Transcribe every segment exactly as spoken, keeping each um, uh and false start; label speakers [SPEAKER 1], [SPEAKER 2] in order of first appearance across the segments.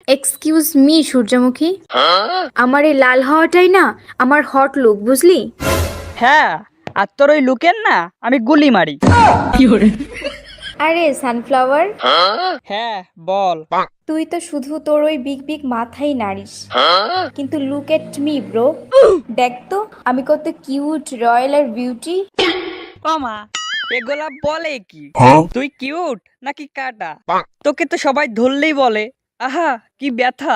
[SPEAKER 1] Excuse me সূর্যমুখী, আমার এই লাল হওয়াটাই না আমার হট লুক, বুঝলি?
[SPEAKER 2] হ্যাঁ, আর তোর ওই লুকের না আমি গুলি মারি।
[SPEAKER 1] আরে সানফ্লাওয়ার,
[SPEAKER 2] হ্যাঁ বল।
[SPEAKER 1] তুই তো শুধু তোর ওই বিগ বিগ মাথাই নাড়িস, কিন্তু লুক এট মি ব্রো, দেখ তো আমি কত কিউট, রয়্যাল আর বিউটি।
[SPEAKER 2] মামা এগুলা বলে কি? তুই কিউট নাকি কাটা? তোকে তো সবাই ধরলেই বলে আহা কি ব্যথা।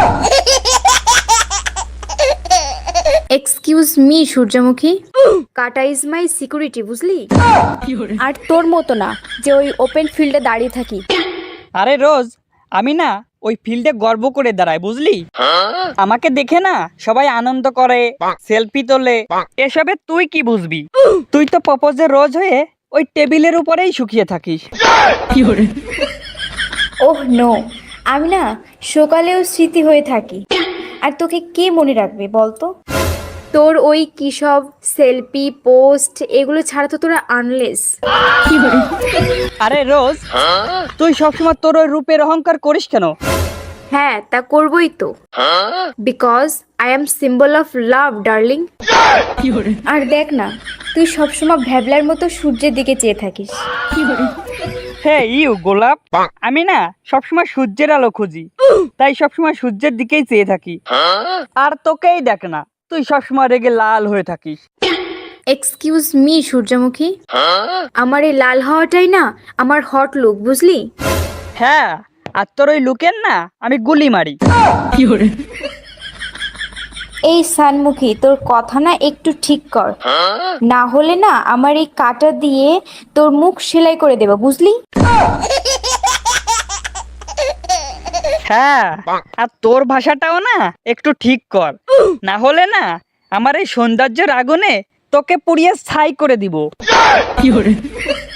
[SPEAKER 1] এক্সকিউজ মি সূর্যমুখী, কাটা ইজ মাই সিকিউরিটি, বুঝলি? আর তোর মতো না যে ওই ওপেন ফিল্ডে দাঁড়িয়ে থাকি।
[SPEAKER 2] আরে রোজ, আমি না ওই ফিল্ডে গর্ব করে দাঁড়াই, বুঝলি? আমাকে দেখে না সবাই আনন্দ করে, সেলফি তোলে। এসবে তুই কি বুঝবি? তুই তো প্রপোজে রোজ হয়ে ওই টেবিলের উপরেই শুকিয়ে থাকিস।
[SPEAKER 1] ওহ নো, আমি না সকালেও স্মৃতি হয়ে থাকি। আর তোকে কে মনে রাখবে বলতো? তোর ওই কি সব সেলফি পোস্ট এগুলো ছাড়া তো তোরা আনলেস।
[SPEAKER 2] আরে রোজ, তুই সবসময় তোর ওই রূপের অহংকার করিস কেন?
[SPEAKER 1] হ্যাঁ, তা করবই তো, because I am symbol of love darling. আর দেখ না, তুই সবসময় ভ্যাবলার মতো সূর্যের দিকে চেয়ে থাকিস।
[SPEAKER 2] হ্যাঁ ইউ গোলাপ, আমি না সবসময় সূর্যের আলো খুঁজি, তাই সবসময় সূর্যের দিকেই চেয়ে থাকি। আর তোকেই দেখ না, তুই সবসময় রেগে লাল হয়ে থাকিস।
[SPEAKER 1] এক্সকিউজ মি সূর্যমুখী, আমার এই লাল হওয়াটাই না আমার হট লুক, বুঝলি?
[SPEAKER 2] হ্যাঁ, আর তোর ওই লুকের না আমি গুলি মারি।
[SPEAKER 1] এই সানমুখী, তোর কথা না একটু ঠিক কর, না হলে না আমার এই কাঁটা দিয়ে তোর মুখ সেলাই করে দেবো, বুঝলি?
[SPEAKER 2] হ্যাঁ, আর তোর ভাষাটাও না একটু ঠিক কর, না হলে না আমার এই সৌন্দর্যের আগুনে তোকে পুড়িয়ে ছাই করে দিব।